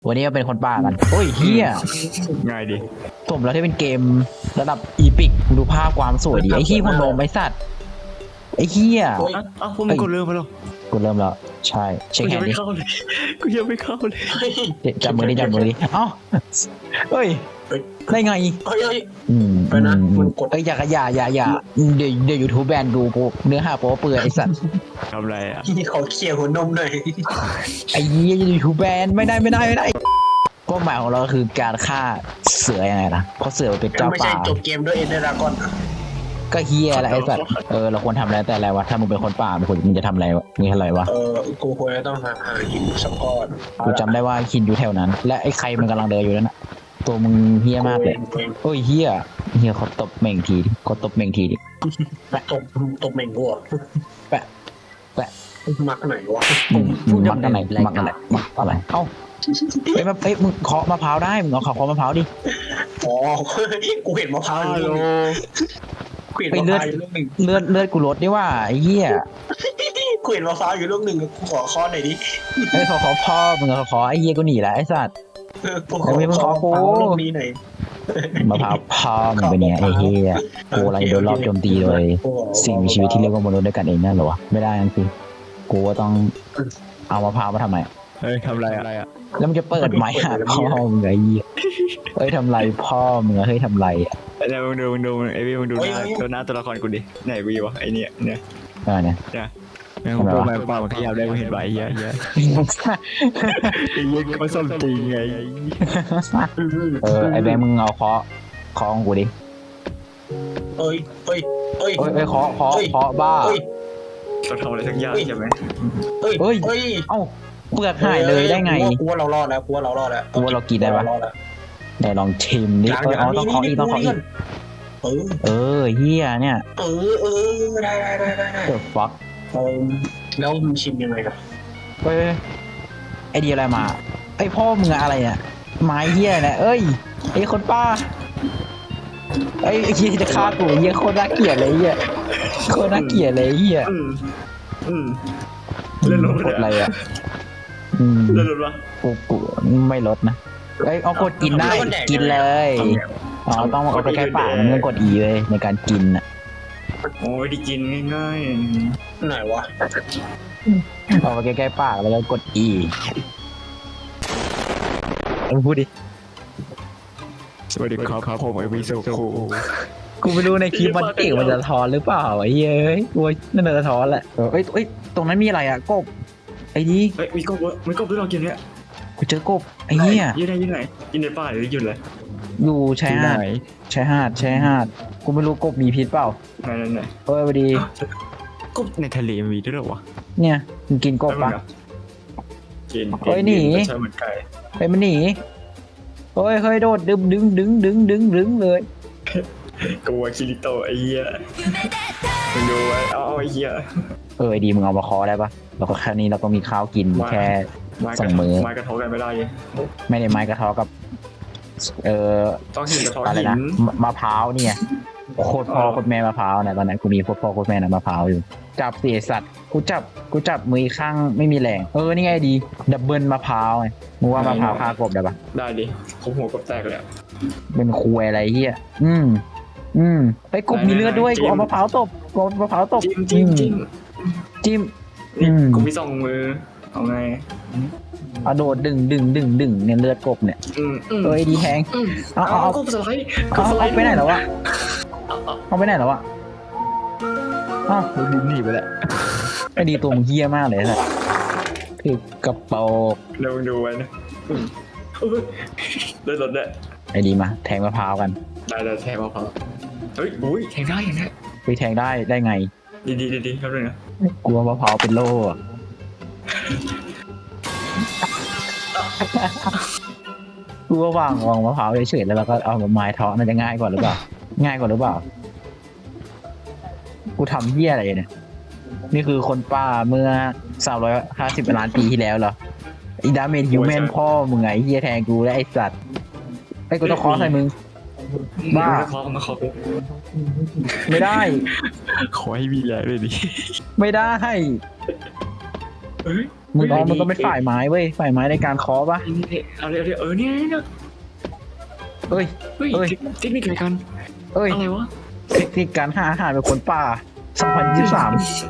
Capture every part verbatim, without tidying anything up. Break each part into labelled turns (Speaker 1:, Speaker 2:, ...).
Speaker 1: วันนี้ก็เป็นคนป่ากันโอ้ยเฮีย
Speaker 2: ง่ายดิ
Speaker 1: สมแล้วที่เป็นเกมระดับอีพิกดูภาพความสวยดิไอ้ขี้พนมไอ้สัตว์ไอ้เฮีย
Speaker 2: อ้าวพวกมึงกดเริ่มไปหรอ
Speaker 1: กูเริ่มแล้วใช่เช็คแฮนด์ดิ
Speaker 2: กูยังไม่เข้าเลย
Speaker 1: จับมือดิจับมือดิเอ้าเฮ้ยได้ไง
Speaker 3: เฮ้ยเฮ้ย
Speaker 1: อืม
Speaker 3: ไปนะมันกด
Speaker 1: เอ้ยอย่าอย่าอย่าอย่าเดี๋ยวเดี๋ยวยูทูบแบนดูกูเนื้อหาโป๊เปื่อยไอ้สัตว์
Speaker 2: ทำไรอ่ะ
Speaker 3: ที่เขาเขี่ยหัวนมหน่อย
Speaker 1: ไอ้เหี้ยยูทูบแบนไม่ได้ไม่ได้ไม่ได้ก็หมายของเราคือการฆ่าเสือยังไงล่ะเพราะเสือเป็นเจ้าป่า
Speaker 3: ไม่ใช่จบเกมด้วยเอ็นเดอร์ดากอน
Speaker 1: ก็เฮียอะไรไอ้สัตว์เออเราควรทำอะไรแต่อะไรวะถ้ามึงเป็นคนป่ามึงควรมึงจะทำอะไรวะมึงอะไรวะ
Speaker 3: เออกูควรจะต้องหาหาหินสักก้อน
Speaker 1: กูจำได้ว่าคินอยู่แถวนั้นและไอ้ใครมันกำลังเดินอยู่นั่นน่ะตัวมึงเฮี้ยมากเลยโอ้ยเฮี้ยเฮี้ยเขาตบเม่งทีดิเขาตบเม่งทีดิ
Speaker 3: ตบตบเม่งกูอ่ะ
Speaker 1: แปะแปะ
Speaker 3: มักไหนวะ
Speaker 1: มักอะไรมักอะไรมักอะไรเอ้าเอ้ยมาเอ้ยมึงเคาะมะพร้าวได้มึงเอาเคาะมะพร้าวดิ
Speaker 3: อ๋อกูเห็นมะพร้าวอยู่
Speaker 1: ไปเลือดเลือดเลือดกูลดดิว่าไอ้เหี้ย
Speaker 3: กูเห็นมะพร้าวอยู่ลูกหนึ่งกูขอข้อหน่อยดิ
Speaker 1: ไอ้ขอขอพ่อมึงขอขอไอ้เหี้ยกูหนีแล้วไอ้สัตว์
Speaker 3: กูขอขอลูกนี้หน่อย
Speaker 1: มะพร้าวพ่อมึงเป็นไงไอ้เหี้ยกูอะไรโดนรอบโจมตีเลยสิ่งมีชีวิตที่เรียกว่ามนุษย์ด้วยกันเองนั่นเหรอวะไม่ได้นั่นสิกูก็ต้องเอามะพร้าวมาทำไม
Speaker 2: เฮ้ยทำไรอะไรอ่ะ
Speaker 1: แล้วมึงจะเปิดไม้หาพ่อมึงไงเหี้ยเฮ้ยทำไรพ่อมึงเฮ้ยทำไรอ่ะ
Speaker 2: เดี๋ยวมึงดูมึงดูไอ้พี่มึงดูหน้าตัวหน้าตัวละครกูดิไหนกูอยู่วะไอ้เนี่ยเนี่ย
Speaker 1: อ่าเนี่ย
Speaker 2: เนี่ยแม่งพูดมาเปล่าขยับได้กูเห็นใบเยอะเยอะไอ้เหี้ยเขาส้มจริงไง
Speaker 1: เออไอ้แบงค์มึงเอาเคาะเคาะของกูดิ
Speaker 3: เอ้ยเอ้ยเอ้ย
Speaker 1: เอ้ยเอ้ยเคาะเคาะเคาะบ้า
Speaker 2: เราทำอะไรสักอย่างใช่ไหม
Speaker 3: เอ้ยเอ้ย
Speaker 1: เอ้าเปลือกหายเลยได้ไง
Speaker 3: กูว่าเรารอดแล้วกูว่าเรารอดแล้ว
Speaker 1: กูว่าเรากินได้ปะไหนลองชิมดิเออต้องเคาะอีกต้องเคาะอีก
Speaker 3: เออ
Speaker 1: เออเฮียเนี่ย
Speaker 3: เออเออได้ได้ได้ได้
Speaker 1: เออฟัก
Speaker 3: เออแล้วมึงชิมยังไงครับ
Speaker 1: เฮ้ยไอเดียอะไรมาไอพ่อมึงอะไรเนี่ยไม้เฮียเนี่ยเอ้ยไอคนป้าไอเฮียจะฆ่ากูเฮียโคตรน่าเกลียดเลยเฮียโคตรน่าเกลียดเลยเฮีย
Speaker 2: อืมอืมเล่นรถ
Speaker 1: อะไรอ่ะ
Speaker 2: เล่นรถวะ
Speaker 1: กูกูไม่ลดนะเอ้ยเอากดกินได้กินเลยอ๋อต้องเอาไปใกล้ปากมันต้องกด E เลยในการกินอ่ะ
Speaker 2: โอ้ยได้กินง่าย
Speaker 3: ๆไหนวะ
Speaker 1: เอาไปใกล้ๆปากแล้วก็กด E พูดดิ
Speaker 2: สวัสดีครับผมไอวิสุคู
Speaker 1: กูไม่รู้ในคลิปมันเก่งมันจะทอนหรือเปล่าไอ้เย้ยกูนั่นจะทอนแหละเอ้ยเอ้ยตรงนั้นมีอะไรอ่ะกบไอ้นี่
Speaker 2: เฮ้ยมีกบมีกบด้วยเรากินเนี้ย
Speaker 1: กูเจอกบไอ้เนี่ย
Speaker 2: ยืนไหนยืนไหนยืนในป่าหรือยืนเลย
Speaker 1: อยู่ชายหาดชายหาดชายหาดกูไม่รู้กบมีพิษเปล่า
Speaker 2: ไหนไหนไหน
Speaker 1: เฮ้ยพอดี
Speaker 2: กบในทะเลมีด้วยหรอวะ
Speaker 1: เนี่ยมึงกินกบปะ
Speaker 2: กิน
Speaker 1: เฮ้ยหนี
Speaker 2: ใช่เหมือนไก่
Speaker 1: เฮ้ยมันหนีเฮ้ยเฮ้ยโดดดึงดึงดึงดึงดึงดึงเลย
Speaker 2: กลัวคิริโตไอ้เหี้ยมึงดูไว้เอาไอ้เหี้ย
Speaker 1: เออไอดีมึงเอามาคอได้ปะเราก็แค่นี้เราก็มีข้าวกินแค่สองมื้อ
Speaker 2: ไม้กระทบกันไม่ได้
Speaker 1: ไม่ได้ไม้กระทบกับเออ
Speaker 2: ต้องหินกระทบ
Speaker 1: อะไรนะมะพร้าวเนี่ยโคตรพ่อโคตรแม่มะพร้าวนะตอนนั้นกูมีโคตรพ่อโคตรแม่นะมะพร้าวอยู่จับเสียสัตว์กูจับกูจับมือข้างไม่มีแรงเออนี่ไงดีดับเบิลมะพร้าวไงมึงว่ามะพร้าวฆ่ากบได้ปะ
Speaker 2: ได้ดิคบหัวกบแตกเลย
Speaker 1: เป็นคุยอะไรเฮียอืมอืมไปกบมีเลือดด้วยกูเอามะพร้าวตบกบมะพร้าวตบ
Speaker 2: จิ้มจิ้ม
Speaker 1: จิ้ม
Speaker 2: กูมีสองมือเอาไง
Speaker 1: เอาโดดดึงดึงดึงดึงเนี่ยเลือดกบเนี่ยเอ้ยดีแทงเอาเอาเอา
Speaker 2: กบสไลด์
Speaker 1: เอาเอาไปไหนแล้ววะเอาไปไหนแล้ววะอ้าว
Speaker 2: ดินหนีไปแล้ว
Speaker 1: ไอ้ดีตัวมึงเฮี้ยมากเลยนะคือกระเป๋า
Speaker 2: เดี๋ยวมึงดูไว้นะเดินรถได้
Speaker 1: ไอ้ดีมาแทงมะพร้าวกัน
Speaker 2: ได้ได้แทงมะพร้าวเฮ้ยอุ้ยแทงได้ยังไง
Speaker 1: ไปแทงได้ได้ไง
Speaker 2: ดีดีดีดีครับเลยนะ
Speaker 1: กลัวมะพร้าวเป็นโล่กูว่าวางวางมะพร้าวเฉยๆแล้วเราก็เอาไม้เทาะมันจะง่ายกว่าหรือเปล่าง่ายกว่าหรือเปล่ากูทำเหี้ยอะไรเนี่ยนี่คือคนป่าเมื่อสามร้อยห้าสิบล้านปีที่แล้วเหรออีดาเมจฮิวแมนพ่อมึงไงเหี้ยแทงกูและไอ้สัตว์ไอ้กูต้องคอใส่มึงบ้าไม่ได้
Speaker 2: ขอให้มีแรงเลยดิ
Speaker 1: ไม่ได้มึงอ๋อมึงก็เป็นฝ่ายไม้เว้ยฝ่ายไม้ในการเคาะปะ
Speaker 2: เอาเร็วๆเออเนี่ยเนี่ย
Speaker 1: เอ้ย
Speaker 2: เฮ้ย
Speaker 1: เอ้ย
Speaker 2: เทคนิคอะไรกัน
Speaker 1: เอ้ย
Speaker 2: อะไรวะ
Speaker 1: เทคนิคการหาอาหารเป็นคนป่าสองพันยี่สิบสาม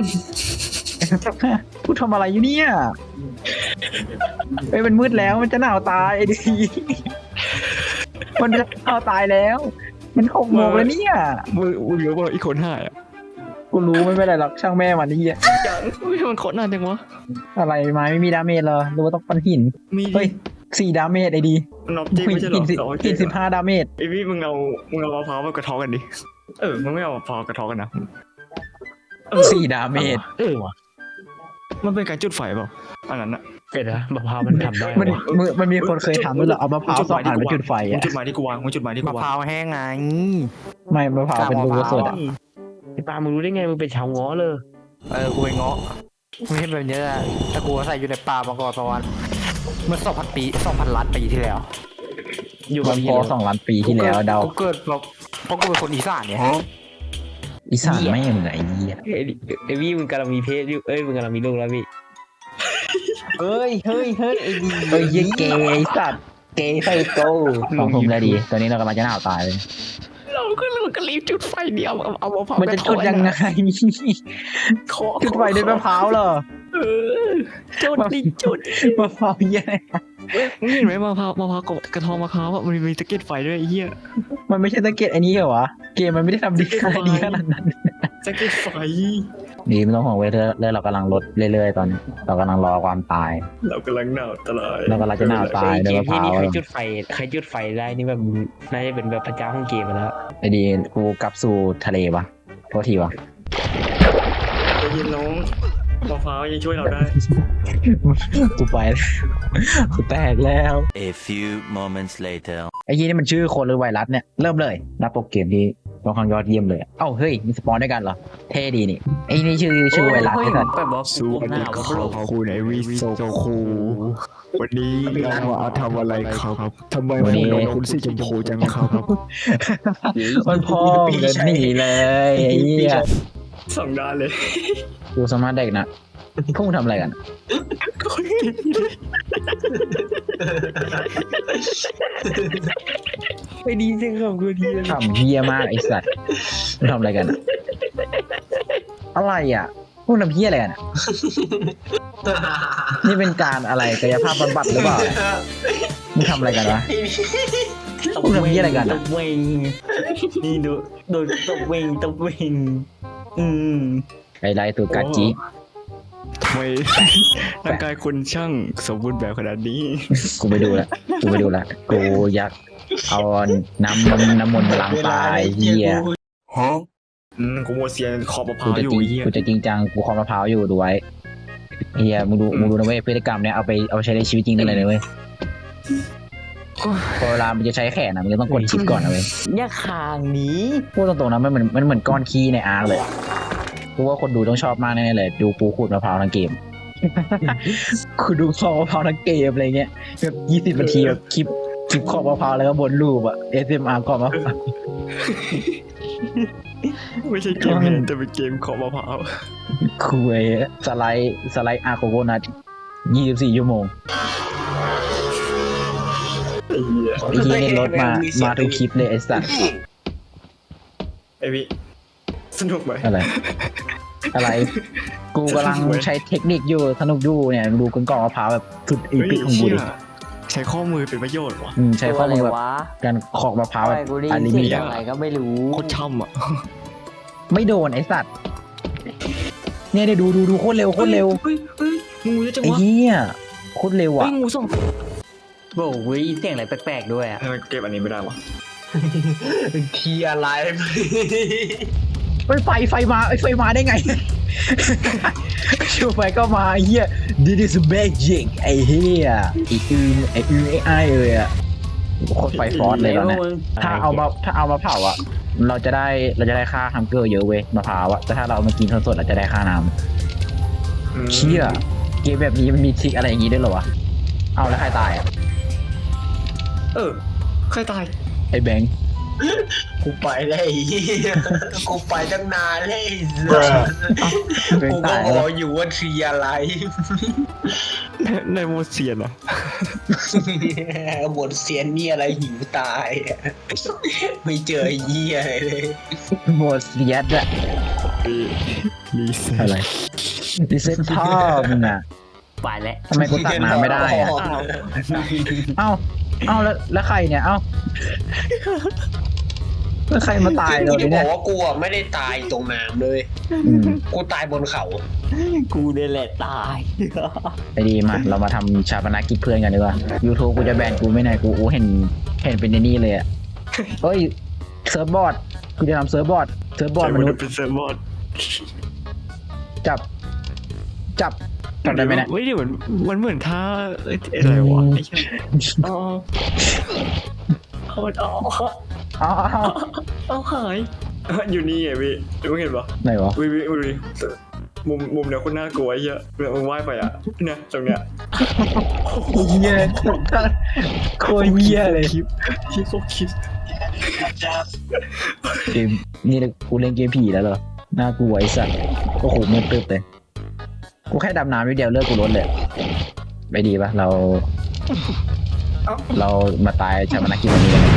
Speaker 1: พูดทำอะไรอยู่เนี่ยเอ้ยมันมืดแล้วมันจะหนาวตายไอ้ดี มันจะหนาวตายแล้ว มันหกโมงแล้วเนี่ย
Speaker 2: มึงมึงรู้ว่าอีกคนหายอ่ะ
Speaker 1: กูรู้ไม่เป็นไรหรอกช่างแม่มันนี่อ่ะ
Speaker 2: ยังไม่มันโคตรนานจังวะ
Speaker 1: อะไรไม้ไม่มีดาเมจเหรอหรือว่าต้องปันหิน
Speaker 2: มี
Speaker 1: เฮ้ยสี่ดาเมจไอ้ดี
Speaker 2: มันนอกจริงไม่ใช่หร
Speaker 1: หิ
Speaker 2: อน
Speaker 1: สิ
Speaker 2: สอง
Speaker 1: หินสิบห้าดาเมจ
Speaker 2: ไอพี่มึงเอามึงเอามะพร้าวมากระเทาะกันดิเออมึงไม่เอามะพร้าวกระเทาะกันนะเออ
Speaker 1: สี่ดาเมจ
Speaker 4: เออว่ะ
Speaker 2: มันเป็นการจุดไฟเปล่าอันนั้นอะ
Speaker 4: เป็นนะมะพร้าวมันทำได้
Speaker 1: มัน
Speaker 4: วะ
Speaker 1: มันมันมีคนเคยทำด้วยเหรอเอามะพร้าวสองอันมาจุดไฟ
Speaker 2: มึง
Speaker 1: อ่ะ
Speaker 2: จุดหมายที่กูวางมึงจุดหมายที่กู
Speaker 5: มะ
Speaker 2: วาง
Speaker 5: พร้าวแห้งไง
Speaker 1: ไม่มะพร้าวเป็นลูกสดอ่ะ
Speaker 4: ไอ้ปามึงรู้ได้ไงมึงเป็นชาวง้อเลย
Speaker 5: เออกูไปเงาะไม่ใช่แบบนี้แหละแต่กูอาศัยอยู่ในป่ามาก่อนประมาณเมื่อสองพันปีสองพันล้านปีที่แล้ว
Speaker 4: อยู่
Speaker 1: มั
Speaker 4: กับ
Speaker 1: น
Speaker 4: พี่
Speaker 1: พอสองล้านปีที่แล้วเดา
Speaker 5: กูเกิดแบบเพราะกูเป็นคนอีสานเนี่ย
Speaker 1: อีสานไม่เหมือนไอ้เหี้ย
Speaker 4: ไอ้ไอ้พี่มึงกำลังมีเพศอยู่เอ้ยมึงกำลังมีลูกแล้วพี่
Speaker 5: เฮ้ยเฮ้ยเฮ้ยไอ้ดี
Speaker 1: เอ้ยเหี้ยเกย์ไอ้สัตว์เกย์ไฟโก้สองทุ่มแล้วดีตอนนี้เรากำลังจะหนาวตายเลย
Speaker 2: เราก็เราก็รีบจุดไฟเดียวเอาเอามะพร้าว
Speaker 1: มันจะจุดยังไง
Speaker 2: เคาะ
Speaker 1: จุดไฟด้วยมะพร้าวเหรอ
Speaker 2: เออจุดดิจุด
Speaker 1: มะพร้าวเหี้ย
Speaker 2: มึงเห็นไหมมะพร้าวมะพร้าวกระทองมะพร้าวอะมันมีตะเกียบไฟด้วยไอ้เหี้ย
Speaker 1: มันไม่ใช่ตะเกียบไอ้นี้เหรอวะเกมมันไม่ได้ทำดีขนาดนี้ขนาดนั้น
Speaker 2: ตะเกียบไฟ
Speaker 1: ดีไม่ต้องห่วงเว้ยเรื่อยๆเรากำลังลดเรื่อยๆตอนนี้เรากำลังรอความตาย
Speaker 2: เรากำลังหนาวตลอด
Speaker 1: เรากำลังจะหนาวตายด้วย
Speaker 4: เก
Speaker 1: มะ
Speaker 4: ม
Speaker 1: พ
Speaker 4: ที่
Speaker 1: ร้าว
Speaker 4: นี่ใครจุดไฟใครจุดไฟได้นี่แบบน่าจะเป็นแบบพระเจ้าของเกมไปแล้ว
Speaker 1: ไอ้ดีกูกลับสู่ทะเลวะโทษทีวะ
Speaker 2: ได้ยินน้องมะพร้าวยังช่วยเราได้
Speaker 1: กูไปแล้วกูแตกแล้ว
Speaker 6: A few moments later.
Speaker 1: ไอ้ยี่นี่มันชื่อคนหรือไวรัสเนี่ยเริ่มเลยรับโปรเกมที่ค่อนข้างยอดเยี่ยมเลยเอ้าเฮ้ยมีสปอนด้วยกันเหรอเท่ดีนี่ไอ้นี่ชื่อชื่อไวรัสไอ้สัส
Speaker 4: แบบบอก
Speaker 2: สวัสดีครับคุณไอวิโซคูวันนี้เรามาทำอะไรครับทำไมวันนี้คุณสีชมพูจังครับ
Speaker 1: มันพ่อมึงจะหนีเลยไอ้เหี้ย
Speaker 2: สองด้านเลย
Speaker 1: กูสามารถเด็กนะพวกมึงทำอะไรกัน
Speaker 4: ไปดีจริงครับกูดี
Speaker 1: ทำเฮี้ยมากไอ้สัตว์มึงทำอะไรกันอะอะไรอ่ะพวกทำเฮี้ยอะไรกันอะนี่เป็นการอะไรกายภาพบำบัดหรือเปล่ามึงทำอะไรกันวะ พวกทำเหี้ยอะไรกัน
Speaker 4: ต
Speaker 1: อะ
Speaker 4: บเวงนี่ดูโดนตบเวงตบเวงอืม
Speaker 1: ไอ้ไรตัวกาจิ
Speaker 2: ทำไมร่างกายคุณช่างสมบูรณ์แบบขนาดนี้
Speaker 1: กูไปดูละกูไปดูละกูอยากเอาน้ำมันน้ำมนต์มาล้างตายเฮีย
Speaker 2: อืมกูโมเซียนขอบมะพ
Speaker 1: กู
Speaker 2: ร้าว
Speaker 1: จะ
Speaker 2: อยู่
Speaker 1: จริง
Speaker 2: เฮีย
Speaker 1: กูจะจริงจังกูคอมมะพร้าวอยู่ดูไว้เฮียมึงดูมึงดูนะเว้ยพฤติกรรมเนี้ยเอาไปเอาไปใช้ในชีวิตจริงได้เลยนะเว้ยพอเวลามันจะใช้แขนนะมันจะต้องกดชิปก่อนนะเว้ย
Speaker 4: อย่าคางหนี้
Speaker 1: พูดตรงๆนะมันเหมือนมันเหมือนก้อนขี้ในอาร์คเลยกูว่าคนดูต้องชอบมากแน่ๆเลย ดูกูขูดมะพร้าวทั้งเกม กูดูขอบมะพร้าวทั้งเกมอะไรเงี้ยแบบยี่สิบนาทีแบบคลิปคลิปขอบมะพร้าวแล้วก็บนรูปอะ เอส เอ็ม อาร์ ขอบมะพร้าว
Speaker 2: ไม่ใช่เกมนี้แต่เป็นเกมขอบมะพร้าว
Speaker 1: คุยสไลด์สไลด์อาร์โคโกนัทยี่สิบสี่ชั่วโมง
Speaker 2: ไอ้เหี้ย
Speaker 1: ไอ้ที่นี่รถมามาทุกคลิปเลยไอ้สัส
Speaker 2: ไอ้วิสนุกไหม
Speaker 1: อะไร อะไร กูกำลังใช้เทคนิคอยู่สนุกอยู่เนี่ยดูกล่องมะพร้าวแบบสุดอี
Speaker 2: เฮ้ย
Speaker 1: พิกของกู
Speaker 2: เชี่ย
Speaker 1: ดิ
Speaker 2: ใช้ข้อมือเป็นประโยชน์วะ
Speaker 1: อืมใช้ข้อมือแบบ
Speaker 5: วะ
Speaker 1: การขอกมะพร้าว
Speaker 5: อะ
Speaker 1: แบ
Speaker 5: ไร
Speaker 1: บ
Speaker 5: กูได้
Speaker 1: อั
Speaker 5: ยิ
Speaker 1: น
Speaker 5: น
Speaker 1: ลิ
Speaker 5: เสี
Speaker 1: มิ
Speaker 5: ย
Speaker 1: ต
Speaker 5: งอะไรก็ไม่รู้
Speaker 2: โคตรช่ำอ่ะ
Speaker 1: ไม่โดนไอ้สัตว์เนี่ยเดี๋ยวดูดูดูโคตรเร็วโคตรเร็ว
Speaker 2: เฮ้ยเฮ้ยงูเยอะจัง
Speaker 1: ไอ้
Speaker 2: วะ
Speaker 1: เหี้ยโคตรเร็ว
Speaker 2: เฮ้
Speaker 1: อ่ะ
Speaker 2: ยงูส่ง
Speaker 4: บอกเว้ยเสียงอะไรแปลกๆด้วยอ่ะ
Speaker 2: ทำไมเก็บอันนี้ไม่ได้วะ
Speaker 3: เทียร์ไลฟ์
Speaker 1: ไฟไฟไฟมาไอ้ไฟมาได้ไง ชูไฟก็มาไอ้เหี้ย this is magic ไอ้เหี้ยไอ้อืมไอ้อืมไอ้ไอ้เอ้ยอะโคตรไฟฟอสเลยตอนเนี้ยถ้าเอามาถ้าเอามาเผาอ่ะ เราจะได้เราจะได้ค่าฮัมเกอร์เยอะเว้ยมะพร้าวอ่ะแต่ถ้าเราเอามากินสดๆเราจะได้ค่าน้ำเชี่ยเกมแบบนี้มันมีทริคอะไรอย่างงี้ด้วยเหรอวะเอาแล้วใครตายอ่ะ
Speaker 2: เออใครตาย
Speaker 1: ไอ้แบงค์
Speaker 3: กูไปได้วไอ้เหี้ยกูไปตั้งนานเลยกูก็บอกอยู่ว่าทรีอะไร
Speaker 2: ในโมเซียนเหรอ
Speaker 3: หมดเซียนนี่อะไรหิวตายอะไม่เจอไอ้เหี้ยอะไรเลย
Speaker 1: หมดเสียดอะ
Speaker 2: รีเซ็ต
Speaker 1: อะไรดิเซนพ่อมึงอะ
Speaker 4: ไปแล้ว
Speaker 1: ทำไมกูตักน้ำไม่ได้อะเอ้าเอ้าแล้วแล้วใครเนี่ยเอ้าแล้วใครมาตาย
Speaker 3: คือ
Speaker 1: เรา
Speaker 3: กูจะบ
Speaker 1: เนี่
Speaker 3: อย กว่ากูอะไม่ได้ตายตรงน้ำเลย
Speaker 1: อืม
Speaker 3: กูตายบนเขา
Speaker 4: กูเนี่ยแหละตาย
Speaker 1: ไอ้ดีมาเรามาทำชาปนกิจเพื่อนกันดีกว่า YouTube กูจะแบนกูไม่ไหนกูกูเห็นเห็นเป็นในนี่เลยอะเฮ้ยเซิร์ฟบอร์ดกูจะทำเซิร์ฟบอร์ดเซิร์ฟบอร์ดมนุษย์
Speaker 2: เป็นเซิร์ฟบอร์ด
Speaker 1: จับ จับจับได้ไหมเนี่ย
Speaker 2: เฮ้ยเดี๋ยวมันมันเหมือนท่าเอ้ยอะไรวะไอ้เหี้ย
Speaker 4: อ๋อเอาเอา
Speaker 1: อ๋อ
Speaker 2: เอาหายอยู่นี่ไงพี่รู้เห็นปะ
Speaker 1: ไหนวะ
Speaker 2: วิวิวิมุมมุมเนี้ยคนน่ากลัวไอ้เหี้ยแบบมึงว่ายไปอ่ะเนี่ยตรงเนี้ย
Speaker 1: เหี้ยโคตรเหี้ยเลย
Speaker 2: คลิปคลิปโคตรคลิป
Speaker 1: เกมนี่เลยกูเล่นเกมผีแล้วเหรอน่ากลัวไอ้สัสโอ้โหมืดตึ๊บเลยกูแค่ดำน้ำนิดเดียวเลือดกูลดเลยไม่ดีปะเรา เรามาตายชาปนกิจวันนี้กัน